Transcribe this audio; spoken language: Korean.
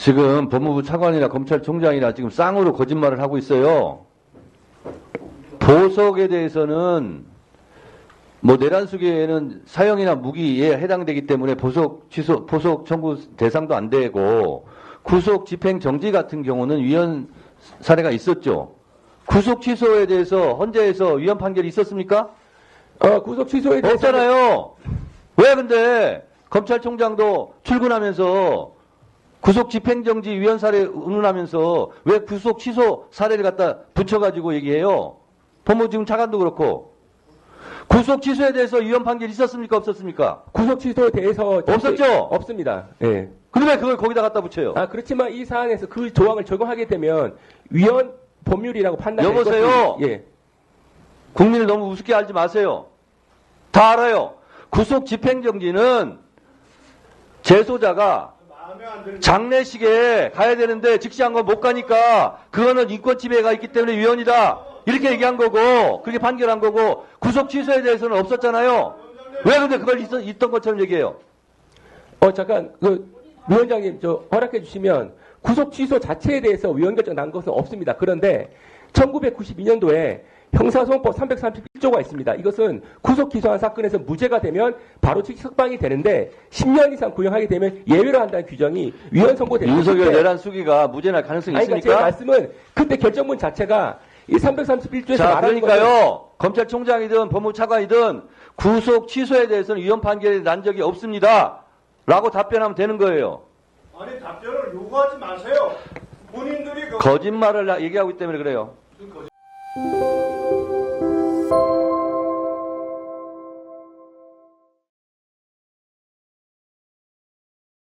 지금 법무부 차관이나 검찰총장이나 지금 쌍으로 거짓말을 하고 있어요. 보석에 대해서는 뭐 내란수계에는 사형이나 무기에 해당되기 때문에 보석 청구 대상도 안 되고 구속 집행 정지 같은 경우는 위헌 사례가 있었죠. 구속 취소에 대해서 헌재에서 위헌 판결이 있었습니까? 구속 취소에 대해서 없잖아요. 왜 근데 검찰총장도 출근하면서 구속 집행정지 위헌 사례 운운하면서 왜 구속 취소 사례를 갖다 붙여가지고 얘기해요? 법무부 지금 차관도 그렇고. 구속 취소에 대해서 위헌 판결이 있었습니까? 없었습니까? 구속 취소에 대해서 없었죠? 없습니다. 예. 근데 왜 그걸 거기다 갖다 붙여요? 그렇지만 이 사안에서 그 조항을 적용하게 되면 위헌 법률이라고 판단할 여보세요? 예. 국민을 너무 우습게 알지 마세요. 다 알아요. 구속 집행정지는 재소자가 장례식에 가야 되는데 즉시한 건 못 가니까 그거는 인권 침해가 있기 때문에 위헌이다. 이렇게 얘기한 거고 그렇게 판결한 거고 구속 취소에 대해서는 없었잖아요. 왜 근데 그걸 있던 것처럼 얘기해요? 잠깐 위원장님 허락해 주시면 구속 취소 자체에 대해서 위헌 결정 난 것은 없습니다. 그런데 1992년도에 형사소송법 331조가 있습니다. 이것은 구속 기소한 사건에서 무죄가 되면 바로 즉시 석방이 되는데 10년 이상 구형하게 되면 예외로 한다는 규정이 위헌 선고됩니다. 윤석열 내란 수기가 무죄 날 가능성이 있습니까? 제 말씀은 그때 결정문 자체가 이 331조에서 자, 말하는 그러니까요. 검찰총장이든 법무부 차관이든 구속 취소에 대해서는 위헌 판결이 난 적이 없습니다. 라고 답변하면 되는 거예요. 아니 답변을 요구하지 마세요. 본인들이 거짓말을 얘기하기 때문에 그래요.